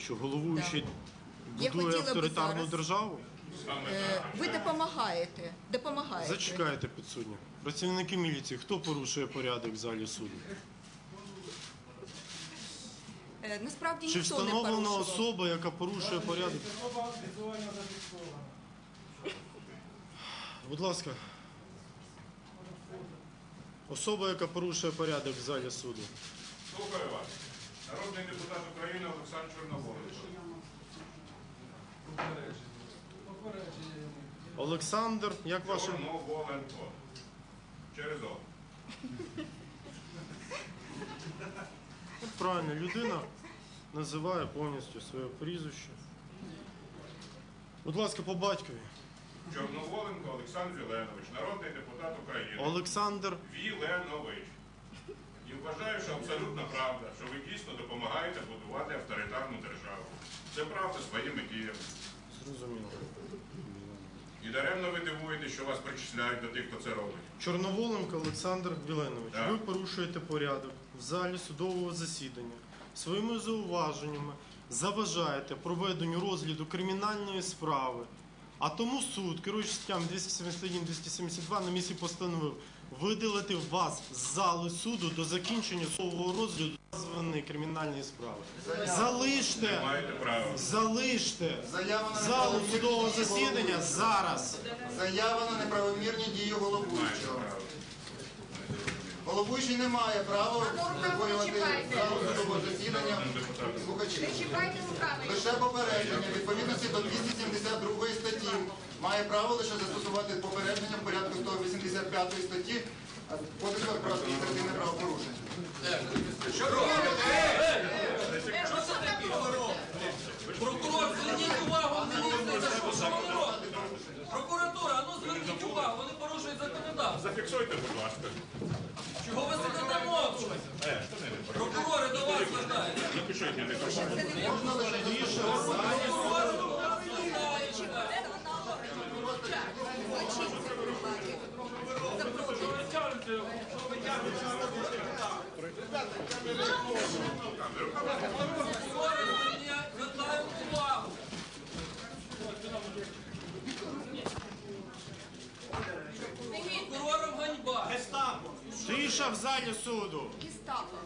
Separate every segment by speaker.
Speaker 1: Що головуючий
Speaker 2: Я
Speaker 1: будує
Speaker 2: хотіла би
Speaker 1: авторитарну
Speaker 2: зараз-
Speaker 1: державу?
Speaker 2: Ви допомагаєте.
Speaker 1: Зачекайте, підсудні. Працівники міліції, хто порушує порядок в залі суду?
Speaker 2: Насправді
Speaker 1: Чи
Speaker 2: ніхто не
Speaker 1: встановлена
Speaker 2: порушував.
Speaker 1: особа, яка порушує порядок? Будь ласка. Особа, яка порушує порядок в залі суду.
Speaker 3: Слухаю вас. Народний депутат України Олександр Чорноволович.
Speaker 1: Олександр, як ваше?
Speaker 3: Чорноволенко. Через О.
Speaker 1: Правильно, людина називає повністю своє прізвище. Будь ласка, по батькові.
Speaker 3: Чорноволенко Олександр Віленович, народний депутат України.
Speaker 1: Олександр.
Speaker 3: Віленович. І вважаю, що абсолютно правда, що ви дійсно допомагаєте будувати авторитарну державу. Це правда своїми діями.
Speaker 1: Зрозуміло.
Speaker 3: І даремно ви дивуєте, що вас причисляють до тих, хто це робить.
Speaker 1: Чорноволенко Олександр Віленович,
Speaker 3: Так.
Speaker 1: ви порушуєте порядок в залі судового засідання. Своїми зауваженнями заважаєте проведенню розгляду кримінальної справи. А тому суд, керуючись статтями 271-272, на місці постановив видалити вас з зали суду до закінчення судового розгляду названої кримінальної справи.
Speaker 3: Не маєте права.
Speaker 1: Залиште
Speaker 4: Заява на
Speaker 1: залу
Speaker 4: неправомірні
Speaker 1: судового
Speaker 4: дії
Speaker 1: засідання
Speaker 4: головуючого.
Speaker 1: зараз.
Speaker 4: Заява на неправомірні дії
Speaker 3: Маєте
Speaker 4: головуючого.
Speaker 3: право.
Speaker 4: Головуючий не має права створювати залу судового засідання
Speaker 3: Народним депутатом.
Speaker 4: слухачів.
Speaker 2: Чіпайте руками.
Speaker 4: Лише попередження відповідності до 272 статті має право лише застосувати попередження в порядку 185 статті Кодексу про адміністративне правопорушення.
Speaker 5: Прокурор, зверніть увагу, що вони роблять. Прокуратура, а ну зверніть увагу, вони порушують законодавство.
Speaker 3: Зафіксуйте, будь ласка.
Speaker 5: Чого ви сидите мовчки? Прокурори до вас звертаються.
Speaker 3: Запишіть, не
Speaker 4: Можна лише
Speaker 5: Прокурори до вас звертаються. Прокурори звертають увагу. Прокурорам ганьба.
Speaker 1: Тиша в залі суду.
Speaker 2: Гестапо.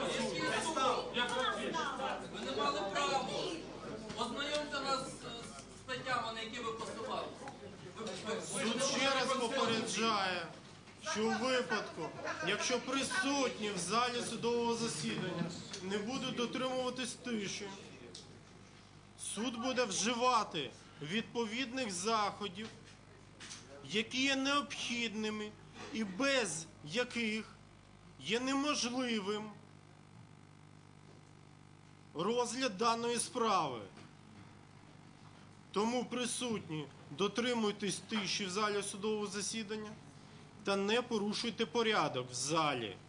Speaker 5: Ви не мали права. Ознайомте нас з статтями, на які ви посилали.
Speaker 1: Суд ще раз попереджає, що у випадку, якщо присутні в залі судового засідання не будуть дотримуватись тиші, суд буде вживати відповідних заходів, які є необхідними і без яких є неможливим розгляд даної справи. Тому присутні, дотримуйтесь тиші в залі судового засідання та не порушуйте порядок в залі.